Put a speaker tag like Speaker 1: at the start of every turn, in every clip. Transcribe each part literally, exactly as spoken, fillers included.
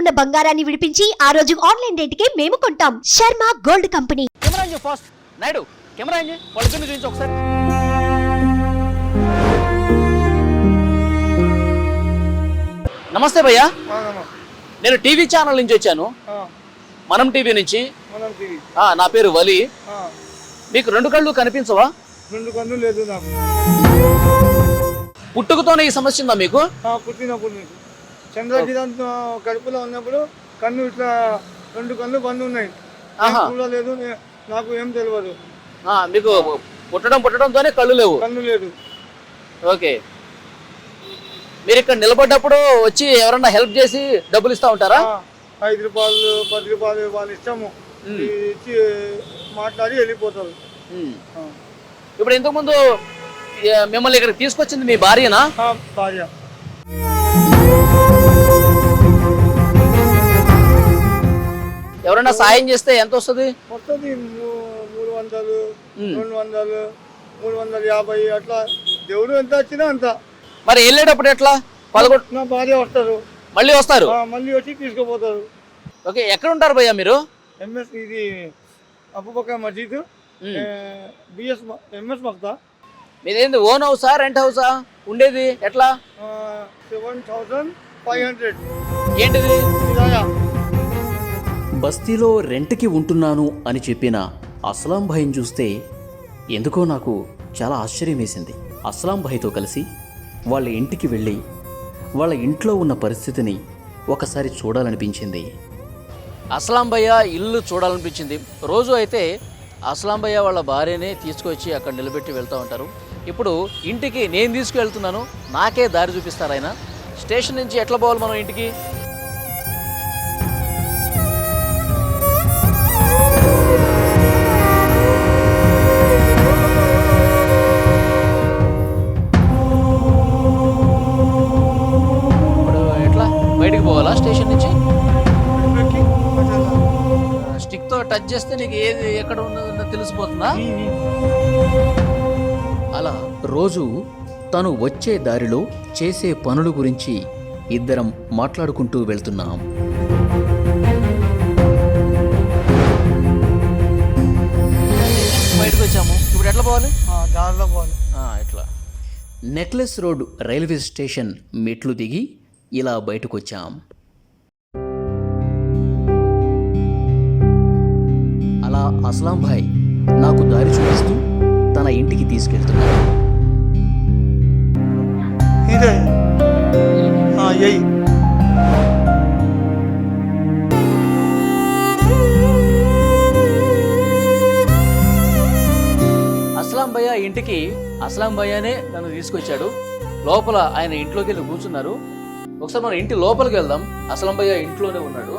Speaker 1: ఉన్న బంగారాన్ని విడిపించి ఆ రోజు ఆన్లైన్ రేటుకే మేము కొంటాం. Sharma gold company.
Speaker 2: Camera fast Naidu, camera వాళ్ళిద్దరిని చూపించు ఒకసారి. నమస్తే భయ్యా, నేను టీవీ ఛానల్ నుంచి వచ్చాను, మనం టీవీ నుంచి. నా పేరు వలి. మీకు రెండు కళ్ళు కనిపించవా?
Speaker 3: రెండు కళ్ళు లేదు నాకు.
Speaker 2: పుట్టుకతోనే ఈ సమస్య ఉందా మీకు?
Speaker 3: పుట్టినప్పుడు చంద్రకిరణ్ కడుపులో ఉన్నప్పుడు కన్ను ఇట్లా రెండు కళ్ళు బంద్ ఉన్నాయి, చూడలేదు, నాకు ఏం తెలియదు.
Speaker 2: మీకు పుట్టడం పుట్టడంతోనే కళ్ళు లేవు?
Speaker 3: కన్ను లేదు.
Speaker 2: ఓకే, మీరు ఇక్కడ నిలబడ్డప్పుడు వచ్చి ఎవరన్నా హెల్ప్ చేసి డబ్బులు ఇస్తా ఉంటారా?
Speaker 3: ఐదు రూపాయలు పది రూపాయలు వాళ్ళు ఇష్టము ఇచ్చి మాట్లాడి వెళ్ళిపోతారు.
Speaker 2: ఇప్పుడు ఇంతకు ముందు మిమ్మల్ని ఇక్కడికి తీసుకొచ్చింది మీ భార్యనా?
Speaker 3: భార్య.
Speaker 2: ఎవరైనా సాయం చేస్తే ఎంత వస్తుంది?
Speaker 3: వస్తుంది మూడు వందలు రెండు వందలు మూడు వందల యాభై అట్లా, దేవుడు ఎంత వచ్చినా అంత.
Speaker 2: మరి వెళ్ళేటప్పుడు ఎట్లా? పదకొండు
Speaker 3: నా భార్య వస్తారు,
Speaker 2: మళ్ళీ వస్తారు,
Speaker 3: మళ్ళీ వచ్చి తీసుకుపోతారు.
Speaker 2: ఓకే, ఎక్కడ ఉంటారు భయ్యా మీరు?
Speaker 3: ఎంఎస్ ఇది అబూబకర్ మస్జిద్, బిఎస్ ఎంఎస్ మక్తా.
Speaker 2: మీదేంది ఓన్ హౌసా రెంట్ హౌసా ఉండేది? ఎట్లా?
Speaker 3: Seven thousand five hundred.
Speaker 2: ఏంటిది?
Speaker 4: బస్తీలో రెంట్కి ఉంటున్నాను అని చెప్పిన అస్లాం భాయ్ని చూస్తే ఎందుకో నాకు చాలా ఆశ్చర్యం వేసింది. అస్లాం భాయ్తో కలిసి వాళ్ళ ఇంటికి వెళ్ళి వాళ్ళ ఇంట్లో ఉన్న పరిస్థితిని ఒకసారి చూడాలనిపించింది.
Speaker 2: అస్లాం భయ్య ఇల్లు చూడాలనిపించింది. రోజు అయితే అస్లాం భయ్య వాళ్ళ భార్యనే తీసుకొచ్చి అక్కడ నిలబెట్టి వెళ్తూ ఉంటారు. ఇప్పుడు ఇంటికి నేను తీసుకువెళ్తున్నాను, నాకే దారి చూపిస్తారు ఆయన. స్టేషన్ నుంచి ఎట్లా పోవాలి మనం ఇంటికి? ఇప్పుడు ఎట్లా బయటికి పోవాలా స్టేషన్ నుంచి? స్టిక్తో టచ్ చేస్తే నీకు ఏది ఎక్కడ ఉన్నదో తెలిసిపోతుందా?
Speaker 4: అలా రోజు తను వచ్చే దారిలో చేసే పనుల గురించి ఇద్దరం మాట్లాడుకుంటూ వెళ్తున్నాం.
Speaker 2: బయటకు వచ్చాము, ఇప్పుడు ఎట్లా పోవాలి?
Speaker 3: దారిలో పోవాలి.
Speaker 2: ఎట్లా?
Speaker 4: నెక్లెస్ రోడ్ రైల్వే స్టేషన్ మెట్లు దిగి ఇలా బయటకు వచ్చాం. అలా అస్లాం భాయ్ నాకు దారి చూపిస్తూ తన ఇంటికి తీసుకెళ్తున్నాడు.
Speaker 3: ఇదే ఎయ్
Speaker 2: అస్లాం భయ్య ఇంటికి అస్లాం భయ్యనే నన్ను తీసుకొచ్చాడు. లోపల ఆయన ఇంట్లోకి వెళ్ళి కూర్చున్నారు. ఒకసారి మన ఇంటి లోపలికి వెళ్దాం. అస్లాం భయ్య ఇంట్లోనే ఉన్నాడు.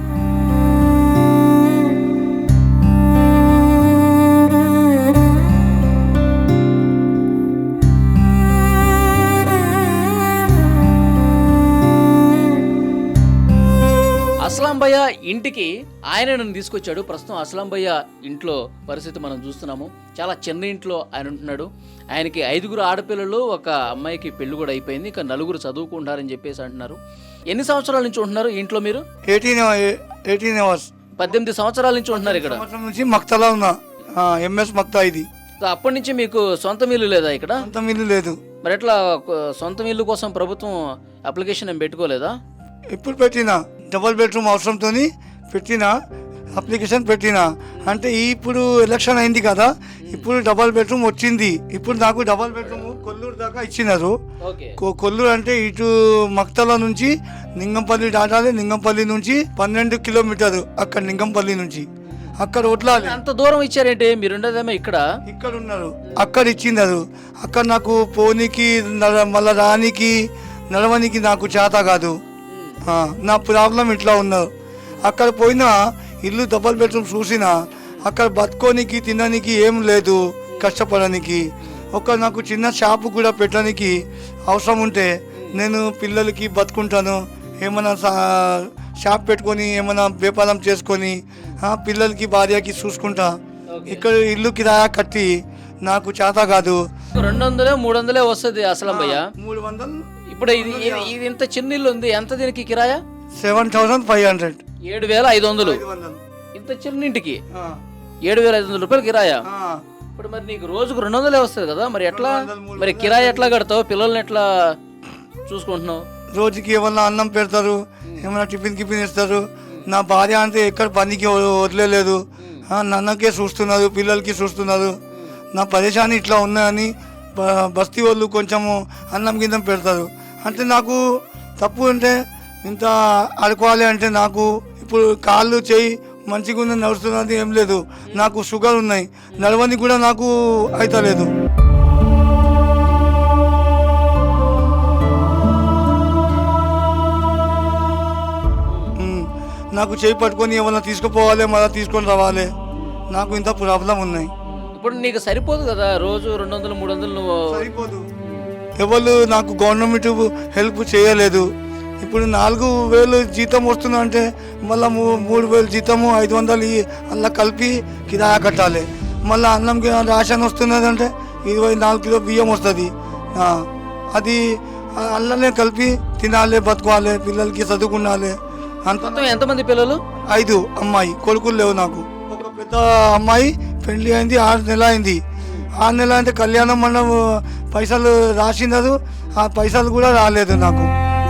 Speaker 2: అస్లాం భయ్య ఇంటికి ఆయన నన్ను తీసుకొచ్చాడు. ప్రస్తుతం అస్లాం భయ్య ఇంట్లో పరిస్థితి మనం చూస్తున్నాము. చాలా చిన్న ఇంట్లో ఆయన ఉంటున్నాడు. ఆయనకి ఐదుగురు ఆడపిల్లలు, ఒక అమ్మాయికి పెళ్లి కూడా అయిపోయింది, ఇంకా నలుగురు చదువుకుంటారని చెప్పేసి అంటున్నారు. ఎన్ని సంవత్సరాల నుంచి ఉంటున్నారు ఇంట్లో మీరు?
Speaker 3: ఎయిటీన్ ఎయిటీన్ అవర్స్
Speaker 2: పద్దెనిమిది సంవత్సరాల నుంచి ఉంటున్నారు ఇక్కడ.
Speaker 3: నుంచి మక్తలా ఉన్నా, ఎంఎస్ మక్తా. ఇది
Speaker 2: అప్పటి నుంచి మీకు సొంత ఇల్లు లేదా ఇక్కడ?
Speaker 3: సొంత ఇల్లు లేదు.
Speaker 2: మరి ఎట్లా సొంత ఇల్లు కోసం ప్రభుత్వం అప్లికేషన్ ఏం పెట్టుకోలేదా?
Speaker 3: ఇప్పుడు పెట్టినా, డబల్ బెడ్రూమ్ అవసరంతో పెట్టినా, అప్లికేషన్ పెట్టినా. అంటే ఇప్పుడు ఎలక్షన్ అయింది కదా, ఇప్పుడు డబల్ బెడ్రూమ్ వచ్చింది. ఇప్పుడు నాకు డబల్ బెడ్రూమ్ కొల్లూరు దాకా ఇచ్చినారు. కొల్లూరు అంటే ఇటు మక్తల నుంచి నింగంపల్లి దాటాలి. నింగంపల్లి నుంచి పన్నెండు కిలోమీటర్లు అక్కడ నింగంపల్లి నుంచి అక్కడ వడ్లాలి.
Speaker 2: అంత దూరం ఇచ్చారేంటి? మీరు ఉండదేమో ఇక్కడ
Speaker 3: ఇక్కడ ఉన్నారు, అక్కడ ఇచ్చినారు. అక్కడ నాకు పోనీకి మళ్ళా రానికి నడవనికి నాకు చేత కాదు. నా ప్రాబ్లం ఇట్లా ఉన్నారు. అక్కడ పోయినా ఇల్లు డబల్ బెడ్రూమ్ చూసినా అక్కడ బతుకోనికి తినడానికి ఏం లేదు, కష్టపడడానికి. ఒక నాకు చిన్న షాపు కూడా పెట్టడానికి అవసరం ఉంటే నేను పిల్లలకి బతుకుంటాను. ఏమైనా షాప్ పెట్టుకొని ఏమైనా వ్యాపారం చేసుకొని పిల్లలకి భార్యకి చూసుకుంటా. ఇక్కడ ఇల్లు కిరాయా కట్టి నాకు చేత కాదు.
Speaker 2: రెండు వందలే మూడు వందలే వస్తుంది అసలు భయ్య.
Speaker 3: మూడు వందలు.
Speaker 2: ఇప్పుడు ఇది ఇది ఇంత చిన్న ఇల్లు ఉంది, ఎంత దీనికి కిరాయా?
Speaker 3: సెవెన్ థౌసండ్ ఫైవ్ హండ్రెడ్
Speaker 2: ఏడు వేల ఐదు వందలు ఇంత చిన్న ఇంటికి ఏడు వేల ఐదు వందల రూపాయలు కిరాయా. ఇప్పుడు మరి నీకు రోజుకు రెండు వందలే వస్తుంది కదా, మరి ఎట్లా మరి కిరాయి ఎట్లా కడతావు, పిల్లల్ని ఎట్లా చూసుకుంటున్నావు?
Speaker 3: రోజుకి ఏమన్నా అన్నం పెడతారు, ఏమన్నా టిఫిన్ కిఫిన్ ఇస్తారు. నా భార్య అంటే ఎక్కడ పనికి వ- వదిలేదు, నన్నకే చూస్తున్నారు, పిల్లలకి చూస్తున్నారు. నా పరేషాని ఇట్లా ఉన్నాయని బ- బస్తీ వాళ్ళు కొంచెము అన్నం కింద పెడతారు. అంటే నాకు తప్పు అంటే ఇంత అడుకోవాలి అంటే నాకు ఇప్పుడు కాళ్ళు చేయి మంచిగా ఉన్న నడుస్తున్నది ఏం లేదు. నాకు షుగర్ ఉన్నాయి, నడవని కూడా నాకు అవుతలేదు. ఉమ్, నాకు చేయి పట్టుకొని ఏమన్నా తీసుకుపోవాలి, మళ్ళీ తీసుకొని రావాలి. నాకు ఇంత ప్రాబ్లం ఉన్నాయి.
Speaker 2: ఇప్పుడు నీకు సరిపోదు కదా, రోజు రెండు వందలు మూడు వందలు నువ్వు
Speaker 3: సరిపోదు. ఎవరు నాకు గవర్నమెంట్ హెల్ప్ చేయలేదు. ఇప్పుడు నాలుగు వేలు జీతం వస్తుందా అంటే మళ్ళీ మూడు వేలు జీతము ఐదు వందలు ఈ- అలా కలిపి కిరాయా కట్టాలి. మళ్ళీ అన్నం కి- రేషన్ వస్తున్నది అంటే ఇరవై నాలుగు కిలో బియ్యం వస్తుంది. ఆ, అది అల్లనే కలిపి తినాలి, బతుకోవాలి, పిల్లలకి చదువుకున్నాలి. అంత
Speaker 2: మొత్తం ఎంతమంది పిల్లలు?
Speaker 3: ఐదు అమ్మాయి కొడుకులు లేవు నాకు. ఒక పెద్ద అమ్మాయి పెళ్లి అయింది, ఆరు నెల అయింది. ఆరు నెల అంటే కళ్యాణం మండపం పైసలు రాసినారు, ఆ పైసలు కూడా రాలేదు నాకు.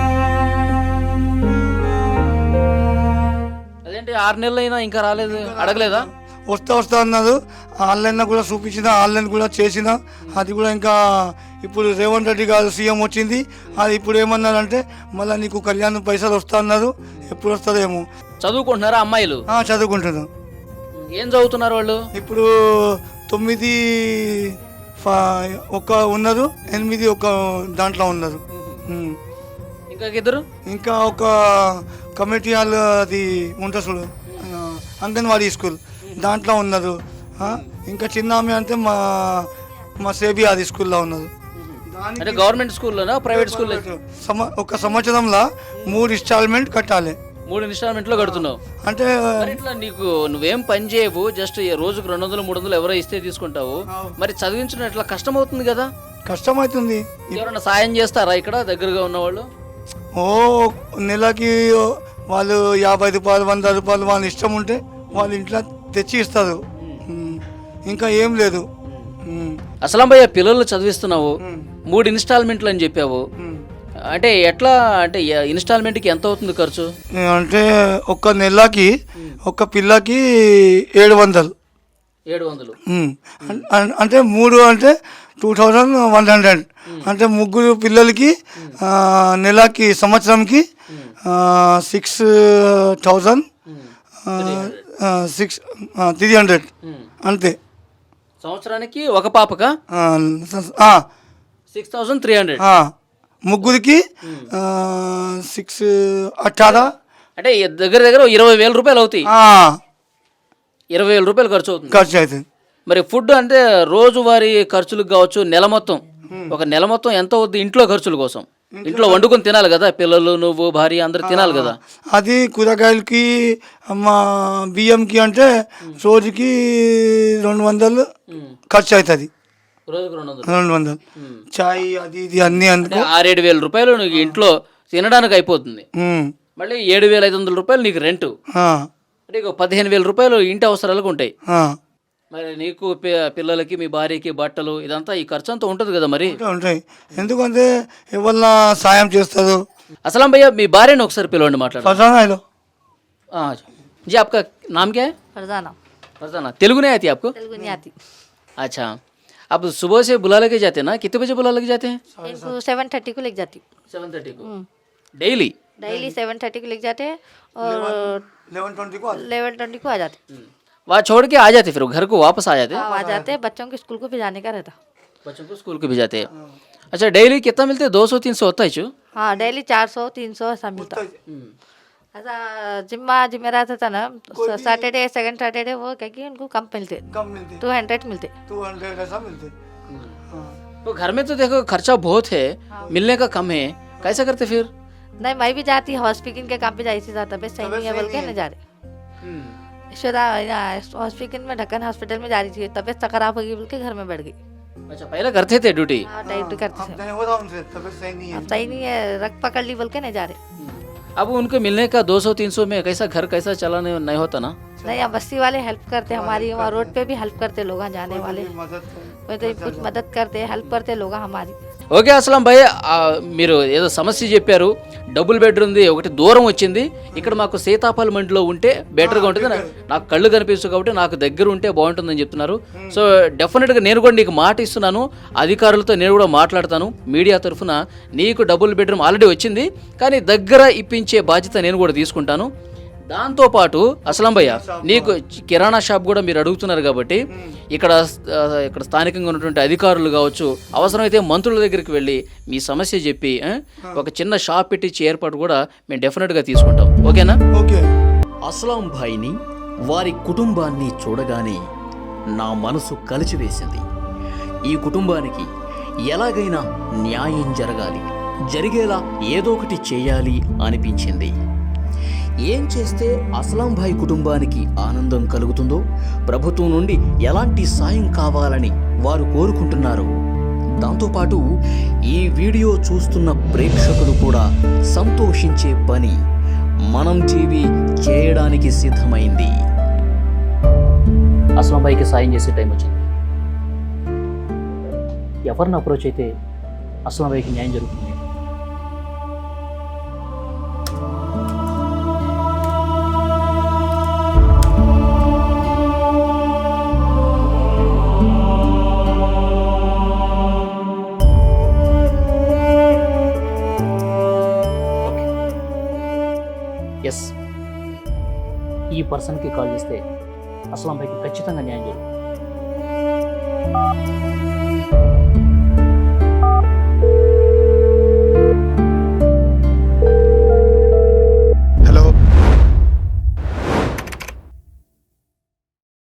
Speaker 2: అదేంటి ఆరు నెలలు అయినా ఇంకా రాలేదు, అడగలేదా?
Speaker 3: వస్తా వస్తా అన్నారు. ఆన్లైన్లో కూడా చూపించిన, ఆన్లైన్ కూడా చేసిన, అది కూడా ఇంకా ఇప్పుడు రేవంత్ రెడ్డి గారు సీఎం వచ్చింది, అది ఇప్పుడు ఏమన్నారంటే మళ్ళీ నీకు కళ్యాణం పైసలు వస్తా అన్నారు. ఎప్పుడు వస్తుందేమో.
Speaker 2: చదువుకుంటున్నారా అమ్మాయిలు?
Speaker 3: ఆ, చదువుకుంటున్నాను.
Speaker 2: ఏం చదువుతున్నారు వాళ్ళు?
Speaker 3: ఇప్పుడు తొమ్మిది ఫ- ఒక ఉన్నారు, ఎనిమిది ఒక దాంట్లో ఉన్నారు. ఉమ్.
Speaker 2: ఇంకా ఇద్దరు?
Speaker 3: ఇంకా ఒక కమిటీ హాల్ అది ఉంటుంది చూడు, ఆ, అంగన్వాడీ స్కూల్ దాంట్లో ఉన్నారు. ఆ, ఇంకా చిన్న ఆమె అంటే మా మా సేబీ అది స్కూల్లో ఉన్నారు.
Speaker 2: అంటే గవర్నమెంట్ స్కూల్లోనా ప్రైవేట్ స్కూల్లో?
Speaker 3: సమ ఒక సంవత్సరంలో మూడు ఇన్స్టాల్మెంట్ కట్టాలి.
Speaker 2: మూడు ఇన్స్టాల్మెంట్లో కడుతున్నావు
Speaker 3: అంటే
Speaker 2: మరి ఇట్లా నీకు నువ్వేం పని చేయవు, జస్ట్ ఈ రోజుకు రెండు వందలు మూడు వందలు ఎవరో ఇస్తే తీసుకుంటావు. మరి చదివించడం ఇట్లా కష్టం అవుతుంది కదా,
Speaker 3: కష్టమవుతుంది.
Speaker 2: ఎవరైనా సాయం చేస్తారా ఇక్కడ దగ్గరగా ఉన్నవాళ్ళు?
Speaker 3: ఓ నెలకి వాళ్ళు యాభై రూపాయలు వంద రూపాయలు వాళ్ళ ఇష్టం ఉంటే వాళ్ళు ఇంట్లో తెచ్చి ఇస్తారు. ఉమ్. ఇంకా ఏం లేదు. ఉమ్.
Speaker 2: అసలంబయ్య పిల్లల్ని చదివిస్తున్నావు,
Speaker 3: ఉమ్.
Speaker 2: మూడు ఇన్స్టాల్మెంట్లు అని చెప్పావు.
Speaker 3: ఉమ్.
Speaker 2: అంటే ఎట్లా, అంటే ఇన్స్టాల్మెంట్కి ఎంత అవుతుంది ఖర్చు?
Speaker 3: అంటే ఒక నెలకి ఒక పిల్లకి ఏడు వందలు.
Speaker 2: ఏడు వందలు
Speaker 3: ఉమ్. అన్- అన్- అంటే మూడు అంటే టూ థౌజండ్ వన్ హండ్రెడ్. అంటే ముగ్గురు పిల్లలకి ఆ, నెలకి సంవత్సరంకి six thousand six three hundred అంతే.
Speaker 2: సంవత్సరానికి ఒక పాపక
Speaker 3: ఆ, ఆ,
Speaker 2: సిక్స్ థౌసండ్ త్రీ హండ్రెడ్
Speaker 3: ఆ. ముగ్గురికి సిక్స్ అట్టారా.
Speaker 2: అంటే దగ్గర దగ్గర ఇరవై వేల రూపాయలు అవుతాయి.
Speaker 3: ఆ,
Speaker 2: ఇరవై వేల రూపాయలు ఖర్చు అవుతుంది.
Speaker 3: ఖర్చు అవుతుంది.
Speaker 2: మరి ఫుడ్ అంటే రోజువారీ ఖర్చులకు కావచ్చు, నెల మొత్తం ఒక నెల మొత్తం ఎంత అవుద్ది ఇంట్లో ఖర్చుల కోసం? ఇంట్లో వండుకొని తినాలి కదా, పిల్లలు నువ్వు భార్య అందరు తినాలి కదా.
Speaker 3: అది కూరగాయలకి మా బియ్యంకి అంటే రోజుకి రెండు వందలు ఖర్చు అవుతుంది.
Speaker 2: రోజుకు రెండు వందలు
Speaker 3: రెండు వందలు చాయ్ అది ఇది అన్నీ
Speaker 2: అంటే
Speaker 3: అందుకు.
Speaker 2: ఆరేడు వేల రూపాయలు నీకు ఇంట్లో తినడానికి అయిపోతుంది.
Speaker 3: ఉమ్.
Speaker 2: మళ్ళీ ఏడు వేల ఐదు వందల రూపాయలు నీకు రెంట్,
Speaker 3: ఆ,
Speaker 2: అంటే ఇక పదిహేను వేల రూపాయలు ఇంటి అవసరాలకు ఉంటాయి.
Speaker 3: ఆ.
Speaker 2: మరి నీకు పి- పిల్లలకి మీ భార్యకి బట్టలు ఇదంతా ఈ ఖర్చు అంతా ఉంటుంది కదా మరి.
Speaker 3: ఉంటాయి, ఉంటాయి. ఎందుకంటే ఎవరన్నా సాయం చేస్తారు.
Speaker 2: అసలం భయ్య మీ భార్యను ఒకసారి పిలవండి, మాట్లాడు.
Speaker 3: ఫసానాలో
Speaker 2: जी आपका नाम क्या है?
Speaker 5: फरजाना
Speaker 2: फरजाना। तेलुगु नहीं आती आपको?
Speaker 5: तेलुगु नहीं आती।
Speaker 2: अच्छा, आप सुबह से बुला लेके जाते हैं ना, कितने बजे बुला लेके जाते हैं?
Speaker 5: इनको सेवन थर्टी को लेके जाती
Speaker 2: सेवन थर्टी को डेली?
Speaker 5: डेली सेवन थर्टी को लेके जाते हैं और
Speaker 3: लेवन ट्वेंटी को
Speaker 5: लेवन ट्वेंटी को आ जाते।
Speaker 2: वहाँ छोड़ के आ जाते, फिर घर को वापस आ जाते?
Speaker 5: हाँ, आ जाते हैं। बच्चों के स्कूल को भेजाने का रहता।
Speaker 2: बच्चों को स्कूल के भी जाते हैं। अच्छा, डेली कितना मिलते हैं? दो सौ तीन सौ होता है चू?
Speaker 5: हाँ, डेली चार सौ तीन सौ ऐसा मिलता। ऐसा जिम्मा जिम्मे रहता था ना, सैटरडे सेकंड सैटरडे वो क्या कि उनको कम मिलते,
Speaker 3: कम मिलते,
Speaker 5: टू हंड्रेड मिलते।
Speaker 3: टू हंड्रेड ऐसा मिलते। हाँ।
Speaker 2: तो घर में तो देखो खर्चा बहुत है, मिलने का कम है, कैसा करते फिर?
Speaker 5: नहीं, मैं भी जाती हॉस्पिटल के काम पे जाती थी, तबियत सही नहीं है बोल के नहीं जा रहे। यशोदा हॉस्पिटल में ढक्कन हॉस्पिटल में जा रही थी, तबियत खराब होगी बोल के घर में बैठ गई।
Speaker 2: अच्छा, पहले करते थे ड्यूटी?
Speaker 5: हाँ, डाइट करते
Speaker 3: अब
Speaker 5: थे।
Speaker 3: नहीं हो रहा उनसे, तबीयत सही नहीं है।
Speaker 5: अब सही नहीं है, रख पकड़ ली बोल के नहीं जा रहे।
Speaker 2: अब उनको मिलने का दो सौ तीन सौ में कैसा घर कैसा चलाने नहीं होता ना?
Speaker 5: नहीं, यहाँ बस्ती वाले हेल्प करते, हमारी वहाँ रोड पे भी हेल्प करते, लोग जाने वाले कोई तो कुछ मदद करते, हेल्प करते लोग हमारी.
Speaker 2: ఓకే అస్లాం భయ్, ఆ, మీరు ఏదో సమస్య చెప్పారు, డబుల్ బెడ్రూమ్ది ఒకటి దూరం వచ్చింది, ఇక్కడ మాకు సీతాఫల్ మండిలో ఉంటే బెటర్గా ఉంటుంది, నా- నాకు కళ్ళు కనిపిస్తుంది కాబట్టి నాకు దగ్గర ఉంటే బాగుంటుందని చెప్తున్నారు. సో డెఫినెట్గా నేను కూడా నీకు మాట ఇస్తున్నాను, అధికారులతో నేను కూడా మాట్లాడతాను, మీడియా తరఫున నీకు డబుల్ బెడ్రూమ్ ఆల్రెడీ వచ్చింది, కానీ దగ్గర ఇప్పించే బాధ్యత నేను కూడా తీసుకుంటాను. దాంతోపాటు అస్లాం భయ్య, నీకు కిరాణా షాప్ కూడా మీరు అడుగుతున్నారు కాబట్టి ఇక్కడ ఆ, ఇక్కడ స్థానికంగా ఉన్నటువంటి అధికారులు కావచ్చు, అవసరమైతే మంత్రుల దగ్గరికి వెళ్ళి మీ సమస్య చెప్పి ఆ, ఒక చిన్న షాప్ పెట్టించి ఏర్పాటు కూడా మేము డెఫినెట్గా తీసుకుంటాం. ఓకేనా?
Speaker 3: ఓకే.
Speaker 4: అస్లాం భాయ్ని, వారి కుటుంబాన్ని చూడగానే నా మనసు కలిచివేసింది. ఈ కుటుంబానికి ఎలాగైనా న్యాయం జరగాలి, జరిగేలా ఏదో ఒకటి చేయాలి అనిపించింది. ఏం చేస్తే అస్లాం భాయ్ కుటుంబానికి ఆనందం కలుగుతుందో, ప్రభుత్వం నుండి ఎలాంటి సాయం కావాలని వారు కోరుకుంటున్నారు, దాంతోపాటు ఈ వీడియో చూస్తున్న ప్రేక్షకులు కూడా సంతోషించే పని మనం టీవీ చేయడానికి సిద్ధమైంది.
Speaker 6: అస్లాం భాయ్కి సాయం చేసే టైం వచ్చింది. ఎవరిని అప్రోచ్ అయితే అస్లాం భాయ్కి న్యాయం జరుగుతుంది. ఎస్, ఈ పర్సన్కి కాల్ చేస్తే అస్లాం భాయ్కి ఖచ్చితంగా న్యాయం జరుగుతుంది.